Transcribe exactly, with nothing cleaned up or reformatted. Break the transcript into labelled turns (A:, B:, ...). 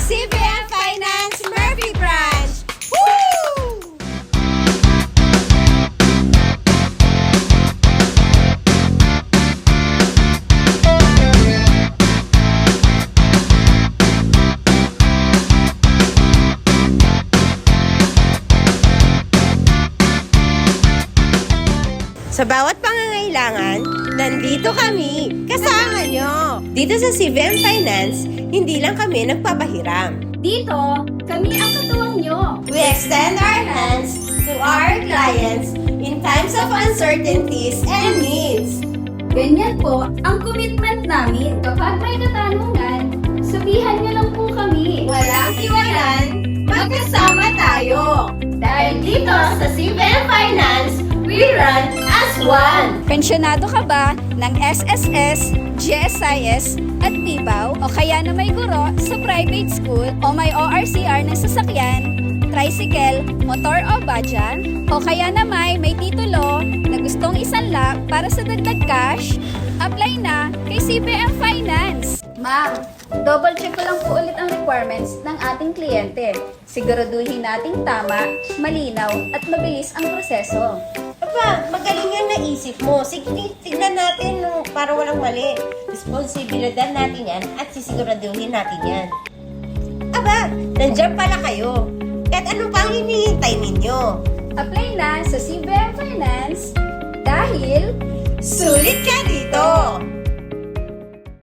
A: C B M Finance Murphy Branch! Woo! Sa bawat pangangailangan, nandito kami, kasama nyo. Dito sa C B M Finance, hindi lang kami nagpapahiram.
B: Dito, kami ang katuwang nyo.
A: We extend our hands to our clients in times of uncertainties and needs.
B: Ganyan po ang commitment namin. Kapag may katanungan, sabihan nyo lang po kami.
A: Walang iwanan, magkasama tayo. Dahil dito sa C B M Finance, we run as one.
C: Pensyonado ka ba ng S S S, G S I S at P B A W o kaya na may guro sa private school o may O R C R ng sasakyan, tricycle, motor o badya o kaya na may may titulo na gustong isanla para sa dagdag cash, apply na kay C B M Finance. Ma'am, double check ko lang po ulit ang requirements ng ating kliyente. Siguraduhin nating tama, malinaw at mabilis ang proseso.
A: Aba, magaling yan naisip mo. Sige, tignan natin no, para walang mali. Responsibilidad natin yan at sisiguraduhin natin yan. Aba, nandiyan pala kayo. Kahit ano pang hinihintay ninyo?
C: Apply na sa C B M Finance dahil
A: Sulit ka dito!